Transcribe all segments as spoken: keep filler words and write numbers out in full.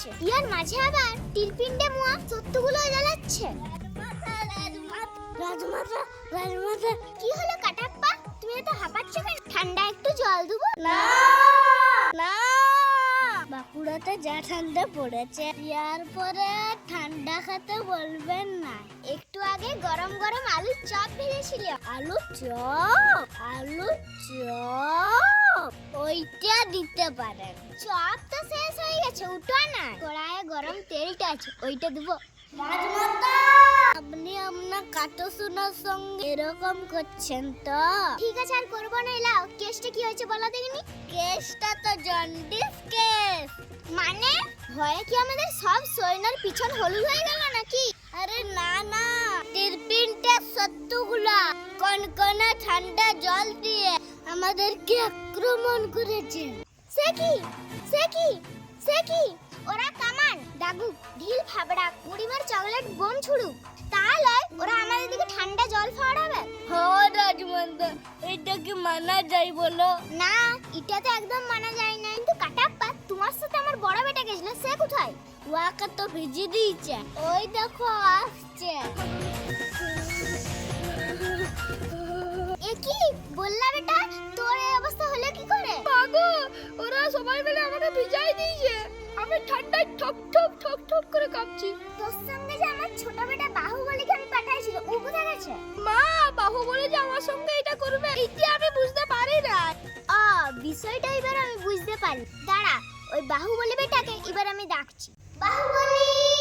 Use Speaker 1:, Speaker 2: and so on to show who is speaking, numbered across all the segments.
Speaker 1: করছে, ইয়ার মাঝে আবার টিলপিন্ডে মুয়া সত্যগুলো জ্বালাচ্ছে। রাজমাতা রাজমাতা কি হলো কাটাপ্পা, তুমি এত হাঁপাচ্ছ কেন? ঠান্ডা একটু জল দেবো? না না, বাঁকুড়াতে যা ঠান্ডা পড়েছে, ইয়ার পরে ঠান্ডা খেতে বলবেন না। একটু আগে গরম গরম আলুর চপ ভেজেছিল। আলুর চপ আলুর চপ ওইটা দিতে পারেন। চপ তো শেষ হয়ে গেছে, উঠো না। কড়াইয়ে গরম তেলটা আছে, ওইটা দেবো। আপনি আপনার কাটো সোনার সঙ্গে এরকম করছেন তো? ঠিক আছে, আর করবো না। এলাও, কেসটা কি হয়েছে বলো দেখিনি। কেসটা তো জন্ডিস কেস। মানে ভয়ে কি আমাদের সব সৈন্যর পিছন হলুদ হয়ে গেল নাকি? আরে না না, টিরপিনটা সত্যগুলা কনকনা ঠান্ডা জল দিয়ে আমাদেরকে আক্রমণ করেছে। সে কি সে কি সে কি ওরা কামান দাগু ঢিল ফাবড়া বুড়িমার চকলেট বোম ছুড়ুক, তাহলে ওরা আমাদের দিকে ঠান্ডা জল ফাড়াবে। হ্যাঁ রাজমাতা, এটা কি মানা যায় বলো? না, এটা তো একদম মানা যায় না। কিন্তু কাটাপ্পা, তোমার সাথে আমার বড় বেটা গেছিল, সে কোথায়? ওয়াকে তো ভিজি দিয়েছে, ওই দেখো আসছে। এ কি বললা বেটা, তোর এই অবস্থা হলো কি করে?
Speaker 2: মাগো, ওরা সবাই মিলে আমাকে ভিজাই দিয়েছে, আমি ঠান্ডায় ঠক ঠক ঠক ঠক করে কাঁপছি।
Speaker 1: তোর সঙ্গে যে আমার ছোট বেটা বাহুবলীকে আমি পাঠাইছিল, ও কোথায় গেছে?
Speaker 2: মা, বাহুবলী যে আমার সঙ্গে এটা করবে এইটা আমি বুঝতে পারি না।
Speaker 1: আ বিষয়টা এবার আমি বুঝতে পারি। দাঁড়া, ওই বাহুবলী বেটাকে এবার আমি ডাকছি। বাহুবলী!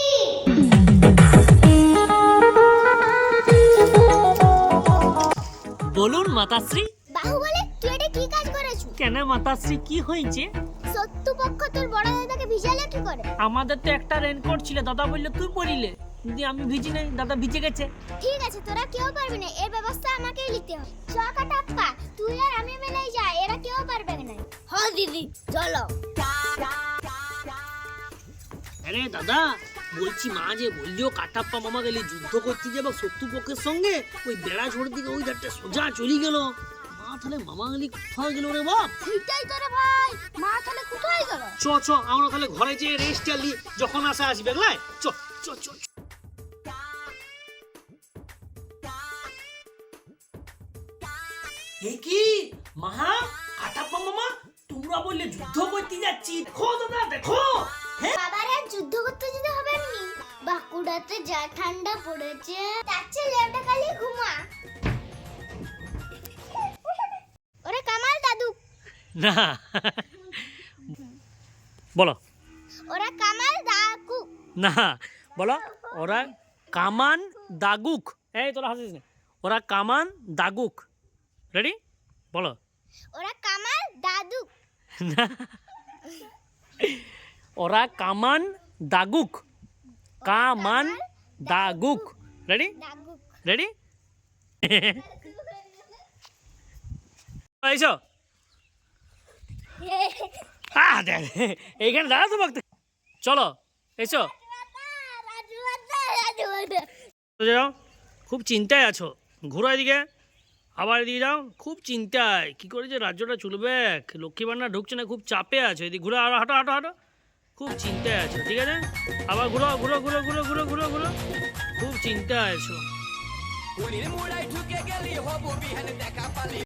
Speaker 3: বলুন মাতাশ্রী।
Speaker 1: বাহুবলী, তুই এটা কি কাজ করেছো?
Speaker 3: কেন মাতাশ্রী, কি হয়েছে?
Speaker 1: সত্যপক্ষ তোর বড় দাদাকে ভিজালে কি করে?
Speaker 3: আমাদের তো একটা রেনকোট ছিল, দাদা বললো তুই পরিলে, কিন্তু আমি ভিজি নাই, দাদা ভিজে গেছে।
Speaker 1: ঠিক আছে, তোরা কেউ পারবি না, এর ব্যবস্থা আমাকেই নিতে হবে। চ কাটাপ্পা, তুই আর আমি মিলেই যা, এরা কেউ পারবে না। হ্যাঁ দিদি, চলো।
Speaker 3: আরে দাদা, বলছি মা যে বললিও কাটাপ্পা মামা গেলে যুদ্ধ করতে যাবে শত্রুপক্ষের সঙ্গে, ওই বেড়া ছোড়ের দিকে ওই ধারটা সোজা চলে গেল। মা তাহলে মামা গেলি কোথায় গেল রে বাপ?
Speaker 1: সেটাই তোরে ভাই, মা তাহলে কোথায় গেল?
Speaker 3: চ চ আমরা তাহলে ঘরে যেয়ে রেস্ট আলি, যখন আসা আসবে লাই। চ চ চ চ। এ কি মা, কাটাপ্পা মামা তোমরা বললে যুদ্ধ করতে যাচ্ছি, দেখো দাদা দেখো।
Speaker 1: বাবার আর যুদ্ধ করতে যেতে হবে না। বাঁকুড়াতে যা ঠান্ডা পড়েছে, তার চেয়ে লেউটা খালি ঘুমা। ওরে কামাল দাদু।
Speaker 3: না বলো।
Speaker 1: ওরা কামাল দাদু।
Speaker 3: না বলো, ওরা কামান দাগুক। এই তোরা হাসিস না, ওরা কামান দাগুক। রেডি বলো।
Speaker 1: ওরা কামাল দাদু।
Speaker 3: না, ওরা কামান দাগুক। কামান দাগুক। রেডি
Speaker 1: দাগু।
Speaker 3: রেডি এইসো। আহ, দে, দে, এইখানে দাঁড়া তো বক্ত। চলো এসো। যাও, খুব চিন্তায় আছো, ঘুরো এদিকে, আবার এদিকে যাও। খুব চিন্তায় কি করে যে রাজ্যটা চলবে, লক্ষ্মী ভান্ডার ঢুকছে না, খুব চাপে আছো। এদিকে ঘুরো, আরো হাঁটো হাঁটো হাঁটো, খুব চিন্তায় আছো। ঠিক আছে, আবার ঘুরো ঘুরো ঘুরো ঘুরো ঘুরো ঘুরো ঘুরো, খুব চিন্তায় আছো।